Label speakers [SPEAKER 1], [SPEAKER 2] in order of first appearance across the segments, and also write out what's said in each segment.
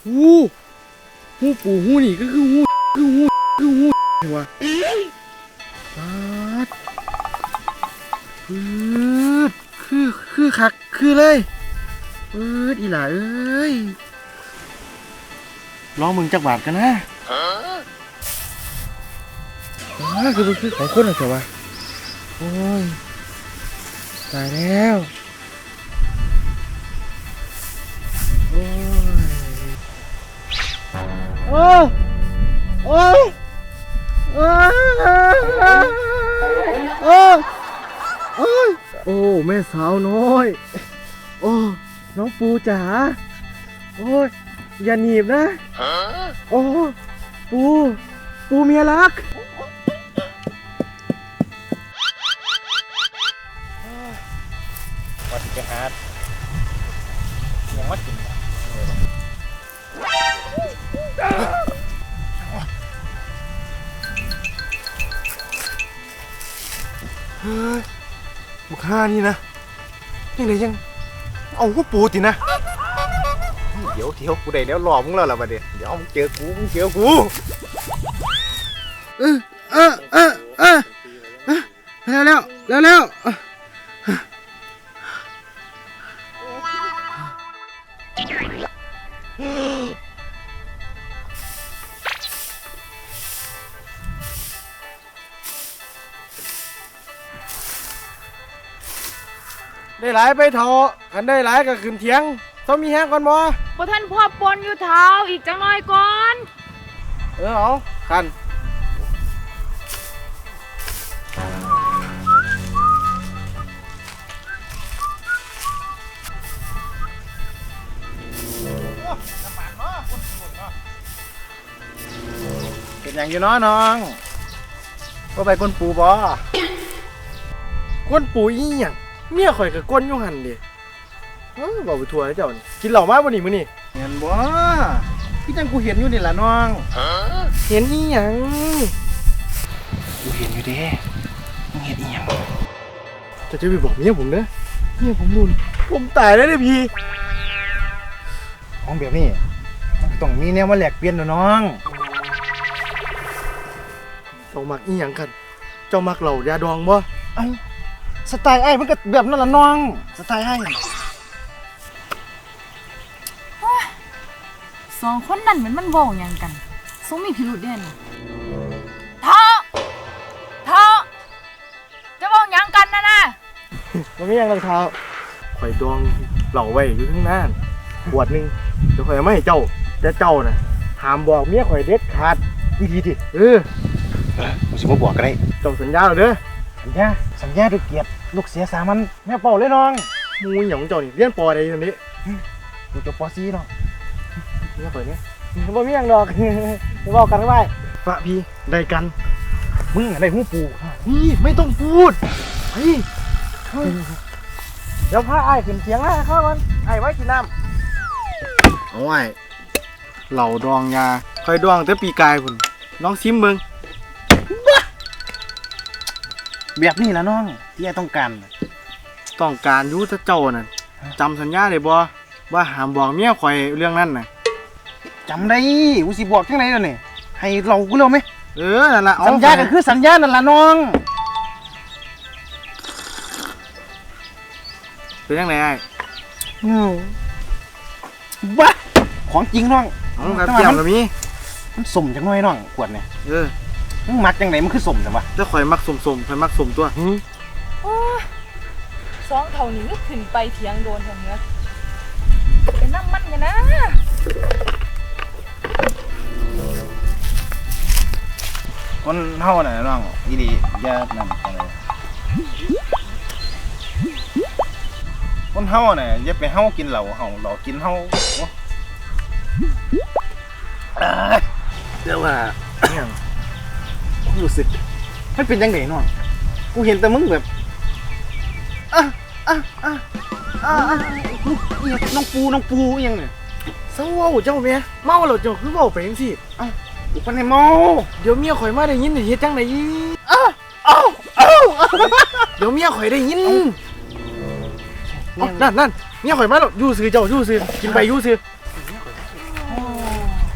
[SPEAKER 1] หูปูหูนี่ก็คือหูเห็นวะปัดปืดคือคักคือเลยปืดอีหล่าเอ้ยลองมึงจักบาทกันนะคือของคนเหรอเจ้าวะโอ้ยตายแล้วโอ้ยโอ้แม่สาวน้อยโอ้น้องปูจ๋าโอ้ยอย่าหนีบนะโอ้ปูเมียรักวัดไปหายังวัดกินเฮ้ยบุกฆ่านี่นะยังไงยังเอาหัวปูตินะเดี๋ยวกูได้แล้วหลอกมึงแล้วล่ะบัดเดี๋ยวมึงเจอกูแล้วได้หลายไปเถอะอันได้หลายก็ขึ้นเถียงต้องมีแห้งก่อนบ่
[SPEAKER 2] ท่านพ่อปนอยู่เท้าอีกจังหน่อยก่อน
[SPEAKER 1] เอากันเป็นอย่างอยู่น้องก็ไปก้นปูบ่ก้นปูอีหยังเมียข่อยกับก้นยุ่งหันดิบอกไปทัวร์ให้เจ้ากินเหล่ามาบ่นี่มื้อนี่เห็นบ่พี่จังกูเห็นอยู่นี่ล่ะน้องเห็นอีหยังกูเห็นอยู่เด้มึงเห็นอีหยังจะไปบอกเมียผมเด้อเมียผมรุนผมตายแล้วเด้พี่ของแบบนี้มันต้องมีแนวมาแลกเปลี่ยนน้องเจ้ามักอีหยังกันเจ้ามักเหล่ายาดองบ่สไตล์ไอ้มันก็แบบนั้นล่ะน้องสไตล์ไอ้
[SPEAKER 2] สองคนนั่นเหมือนมันโว่ยังกันสงมีพิรุธเด่นเท้าจะโว่ยังกันนะ
[SPEAKER 1] มันไม่ยังรองเท้าข่อยดองเหล่าไว้อยู่ข้างหน้าขวดนึงเดี๋ยวข่อยไม่ให้เจ้าแต่เจ้าน่ะถามบอกเมียข่อยเด็ดขาดวิธีดิมึงสิมาบอกกันได้เจ้าสัญญาหรอเด้อสัญญาด้วยเกียรติลูกเสียสามันแม่เป่าเลยน้องมูหยองเจ้านี่เรียนปอใดตอนนี้กูจบปอซีเนาะเนี่ยเปิดเนี่ยบ่มีอย่างดอกจะบอกกันไว้ปะพี่ได้กันมึงได้หูปูนี่ไม่ต้องพูดเฮ้ยเดี๋ยวพาไอ้ขึ้นเสียงนะข้ามันไอ้ไว้กินน้ำเอาไว้เหล่าดองยาคอยดองแต่ปีกายพุ่นน้องซิมเบิ้งแบบนี้ละน้องที่ไอ้ต้องการรู้ถ้าเจ้าน่ะจำสัญญาได้บ่ว่าห้ามบอกเมียข่อยเรื่องนั้นน่ะจำได้กูสิบอกจังไหนแล้วนี่ให้เรากูเร็วไหมนั่นล่ะสัญญาก็คือสัญญานั่นล่ะน้องเป็นยังไงไอ้บ้าของจริงน้องครับเกี่ยวกับมีมันสมจังน้อยน้องขวดเนี่ยมึงมักจังไหนมันคือสมจังวะจะข่อยมักสมข่อยมักสมตัว
[SPEAKER 2] สองเท่านี้ก็ขึ้นไปเถียงโดนอย่างเงี้ยเป็นน้ำมันกันนะ
[SPEAKER 1] คนเฮาน่ะน้องอีดีอย่านั่นอะไรคนเฮาน่ะอย่าไปเฮากินเหล้าเรากินเฮาเดี๋ยวว่าเนี่ยรู้สึกมันเป็นยังไงน้องกูเห็นแต่มึงแบบน้องปูยังเนี่ยเศร้าเจ้าเมียเมาแล้วเจ้าคือเมาไปยังสิกูคนไหนเมาเดี๋ยวเมียข่อยมาได้ยินเฮ็ดจังไหนเดี๋ยวเมียข่อยได้ยินนั่นเมียข่อยมาแล้วยู่ซื้อเจ้ายู่ซื้อกินไปยู่ซื้อ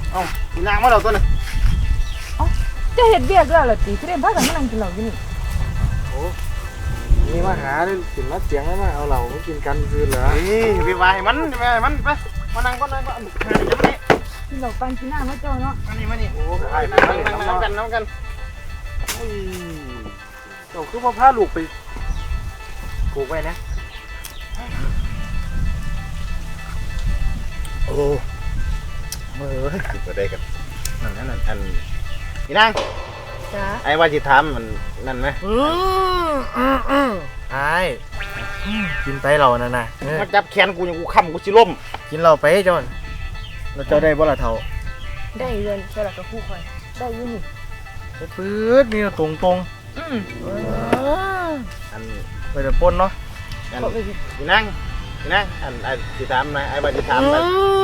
[SPEAKER 1] เอ้ากินนางมาแล้วตัวนึง
[SPEAKER 2] จะเห็ดเบี้ยด้วยเหรอตีเรียนพากันมานั่งกินเหล้าอยู่นี่
[SPEAKER 1] โอ้นี่มาหาเลยกินมาเสียงแล้วมาเอาเหล้ามากินกันคืนเหรอนี่ไปวายมันไปมันไปมานั่งก็นั่งก็หาอย่างนี้
[SPEAKER 2] กินเหล้าปันกินหน้ามาเจ้าเนาะ
[SPEAKER 1] มานี่โอ้ไอ้น้ำกันอุ้ยเจ้าคือพ่อพาลูกไปผูกไว้นะโอ้เมื่อกินไปได้กันนั่นอันนี่นาง
[SPEAKER 2] จ้า
[SPEAKER 1] ไอ้ว่าจิทำมันนั่นไหมไอ้กินไปเรานั่นนะมาจับแขนกูอย่างกูค้ำกูสิล้มกินเราไปจอนเราเจ้าได้บ่ละเท่า
[SPEAKER 2] ได้เงินใช่หรอกับคู่คอยได้อยู่นี่
[SPEAKER 1] ปื๊ดนี่ตรงอันไปแต่ปนเนาะอันนี่นั่งอันไอ้จิทำนะไอ้ว่าจิทำนะ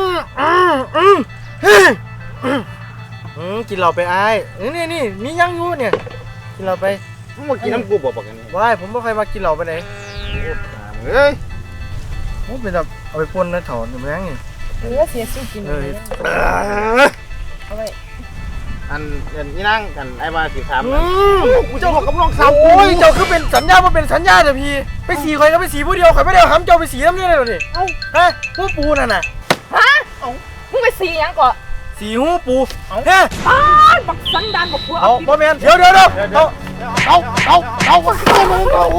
[SPEAKER 1] กินเราไปไอ้นี่มียังอยู่เนี่ยกินเราไปมึงมากินน้ำกูบอกกันนี่ว้ายผมไม่เคยมากินเราไปไหนเฮ้ยผมเป็นแบบเอาไปปนนะถอนอยู่มั้งนี่
[SPEAKER 2] เสียสู้กินเลยเอาไว้
[SPEAKER 1] อันนี่นั่งกันไอ้มาสีขาวกูเจ้าบอกกับน้องสาวโอ้ยเจ้าคือเป็นสัญญาว่าเป็นสัญญาเดี๋ยวพี่ไปสีใครก็ไปสีผู้เดียวใครไม่ได้ทำเจ้าไปสีน้ำนี่เลยหรอนี่เอ้าฮะหูปูนั่นน่ะ
[SPEAKER 2] ฮะมึงไปสียังก่อน
[SPEAKER 1] สีหูปูเฮ้
[SPEAKER 2] บักสันดานบักผัว
[SPEAKER 1] เอาบ่แม่นเดี๋ยวเอาโอ้โห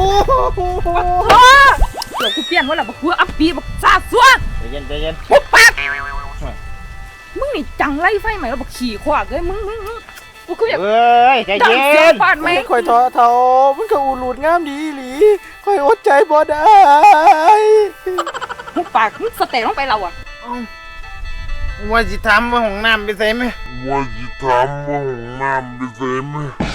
[SPEAKER 2] เดี๋ยวกูเปลี่ยนว่าละบักผัวอัปปีบักซาซัว
[SPEAKER 1] ใจเย็น
[SPEAKER 2] ปุ๊บปั๊บมึงนี่จังไล่ไฟใหม่แล้วบักขี่ขวากเลยมึงกูคือแบบ
[SPEAKER 1] เฮ้ยใจ
[SPEAKER 2] ดัง
[SPEAKER 1] เย็
[SPEAKER 2] เสียง
[SPEAKER 1] น
[SPEAKER 2] ฟาดไหม
[SPEAKER 1] คอยท้อเท่ามันก็อูหลุดงามดีหลีคอยอดใจบ่ได้
[SPEAKER 2] มึงปากมึงสเตะลงไปเราอ่ะ
[SPEAKER 1] ว่าสิทำว่าห้องน้ำไปใส่ไหม
[SPEAKER 3] ว่าจะทำว่าห้องน้ำไปเสร็จไหม